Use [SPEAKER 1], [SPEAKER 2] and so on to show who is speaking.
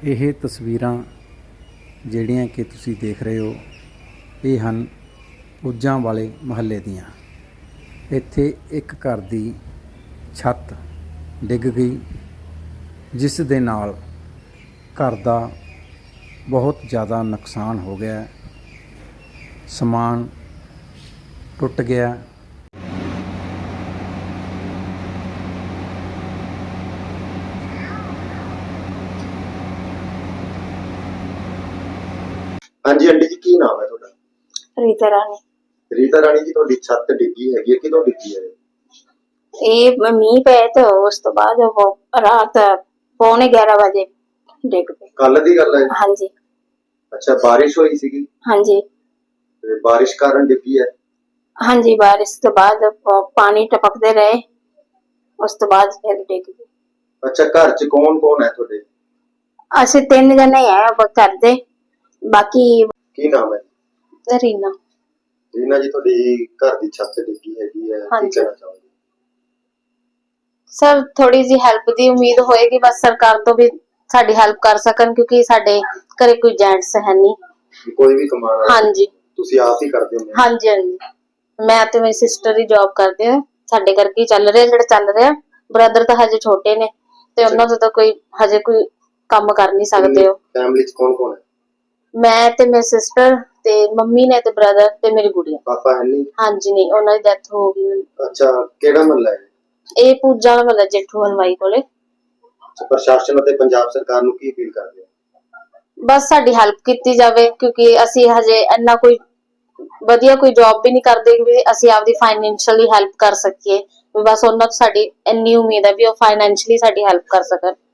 [SPEAKER 1] ਇਹ ਤਸਵੀਰਾਂ ਜਿਹੜੀਆਂ ਕਿ ਤੁਸੀਂ ਦੇਖ ਰਹੇ ਹੋ ਇਹ ਹਨ ਪੁੱਜਾਂ ਵਾਲੇ ਮੁਹੱਲੇ ਦੀਆਂ। ਇੱਥੇ ਇੱਕ ਘਰ ਦੀ ਛੱਤ ਡਿੱਗ ਗਈ, ਜਿਸ ਦੇ ਨਾਲ ਘਰ ਦਾ ਬਹੁਤ ਜ਼ਿਆਦਾ ਨੁਕਸਾਨ ਹੋ ਗਿਆ, ਸਮਾਨ ਟੁੱਟ ਗਿਆ।
[SPEAKER 2] ਹਾਂਜੀ आंटी जी, की नाम है ਤੁਹਾਡਾ?
[SPEAKER 3] रीता रानी।
[SPEAKER 2] रीता रानी जी, ਤੁਹਾਡੀ ਛੱਤ ਡਿੱਗੀ ਹੈਗੀ ਹੈ, ਕਿਦੋਂ ਡਿੱਗੀ ਹੈ?
[SPEAKER 3] ਇਹ ਮੀਂਹ ਪਏ ਤੇ ਉਸ ਤੋਂ ਬਾਅਦ ਉਹ ਰਾਤ 11:15 ਵਜੇ ਡਿੱਗ ਪਈ।
[SPEAKER 2] ਕੱਲ ਦੀ ਗੱਲ ਹੈ?
[SPEAKER 3] ਹਾਂਜੀ
[SPEAKER 2] ਅੱਛਾ, ਬਾਰਿਸ਼ ਹੋਈ ਸੀਗੀ
[SPEAKER 3] ਹਾਂਜੀ
[SPEAKER 2] ਤੇ ਬਾਰਿਸ਼ ਕਾਰਨ ਡਿੱਗੀ ਹੈ?
[SPEAKER 3] ਹਾਂਜੀ, ਬਾਰਿਸ਼ ਤੋਂ ਬਾਅਦ ਪਾਣੀ ਟਪਕਦੇ ਰਹੇ, ਉਸ ਤੋਂ ਬਾਅਦ ਫਿਰ ਡਿੱਗ ਗਈ।
[SPEAKER 2] ਅੱਛਾ, ਘਰ 'ਚ ਕੌਣ ਹੈ ਤੁਹਾਡੇ?
[SPEAKER 3] ਅਸੀਂ 3 ਜਣੇ ਆ ਘਰ ਦੇ, ਬਾਕੀ
[SPEAKER 2] ਕੀ ਨਾਮ ਹੈ?
[SPEAKER 3] ਰੀਨਾ।
[SPEAKER 2] ਰੀਨਾ ਜੀ, ਤੁਹਾਡੀ ਘਰ ਦੀ ਛੱਤ ਡਿੱਗੀ ਹੈਗੀ ਹੈ, ਕੀ
[SPEAKER 3] ਹਾਂਜੀ।
[SPEAKER 2] ਕਹਿਣਾ ਚਾਹੋਗੇ?
[SPEAKER 3] ਸਰ ਥੋੜੀ ਜੀ ਹੈਲਪ ਦੀ ਉਮੀਦ ਹੋਏਗੀ, ਬਸ ਸਰਕਾਰ ਤੋਂ ਵੀ ਸਾਡੀ ਹੈਲਪ ਕਰ ਸਕਣ, ਕਿਉਂਕਿ ਸਾਡੇ ਘਰੇ ਕੋਈ ਜੈਂਟਸ ਹੈ ਨਹੀਂ।
[SPEAKER 2] ਕੋਈ ਵੀ ਕਮਾਉਣ ਵਾਲਾ?
[SPEAKER 3] ਹਾਂਜੀ
[SPEAKER 2] ਤੁਸੀਂ ਆਪ ਹੀ ਕਰਦੇ ਹੋ?
[SPEAKER 3] ਹਾਂਜੀ ਹਾਂਜੀ, ਮੈਂ ਤੇ ਮੇਰੀ ਸਿਸਟਰ ਹੀ ਜੌਬ ਕਰਦੇ ਆ, ਸਾਡੇ ਕਰਕੇ ਚੱਲ ਰਿਹਾ ਜਿਹੜਾ ਚੱਲ ਰਿਹਾ। ਬ੍ਰਦਰ ਤਾਂ ਹਜੇ ਛੋਟੇ ਨੇ ਤੇ ਉਹਨਾਂ ਤੋਂ ਤਾਂ ਕੋਈ ਹਜੇ ਕੋਈ ਕੰਮ ਕਰ ਨਹੀਂ ਸਕਦੇ। ਹੋ
[SPEAKER 2] ਫੈਮਿਲੀ 'ਚ ਕੌਣ ਹੈ?
[SPEAKER 3] ਮੈਂ ਤੇ ਮੇਰੀ ਸਿਸਟਰ ਤੇ ਮੰਮੀ ਨੇ ਤੇ ਬ੍ਰਦਰ ਤੇ ਮੇਰੀ ਗੁੜੀਆ।
[SPEAKER 2] ਪਾਪਾ ਹੈ ਨਹੀਂ?
[SPEAKER 3] ਹਾਂਜੀ ਨਹੀਂ, ਉਹਨਾਂ ਦੀ ਡੈਥ ਹੋ ਗਈ।
[SPEAKER 2] ਅੱਛਾ, ਕਿਹੜਾ ਮਹੱਲਾ ਹੈ?
[SPEAKER 3] ਇਹ ਪੂਜਾ ਵਾਲਾ ਮਹੱਲਾ, ਜੇਠੂ ਹਲਵਾਈ ਕੋਲੇ।
[SPEAKER 2] ਪ੍ਰਸ਼ਾਸਨ ਅਤੇ ਪੰਜਾਬ ਸਰਕਾਰ ਨੂੰ ਕੀ ਅਪੀਲ ਕਰਦੇ ਹੋ?
[SPEAKER 3] ਬਸ ਸਾਡੀ ਹੈਲਪ ਕੀਤੀ ਜਾਵੇ, ਕਿਉਂਕਿ ਅਸੀਂ ਹਜੇ ਇੰਨਾ ਕੋਈ ਵਧੀਆ ਕੋਈ ਜੌਬ ਵੀ ਨਹੀਂ ਕਰਦੇ ਕਿ ਅਸੀਂ ਆਪਦੀ ਫਾਈਨੈਂਸ਼ੀਅਲੀ ਹੈਲਪ ਕਰ ਸਕੀਏ। ਬਸ ਉਹਨਾਂ ਤੋਂ ਸਾਡੀ ਇੰਨੀ ਉਮੀਦ ਹੈ ਵੀ ਉਹ ਫਾਈਨੈਂਸ਼ੀਅਲੀ ਸਾਡੀ ਹੈਲਪ ਕਰ ਸਕਣ।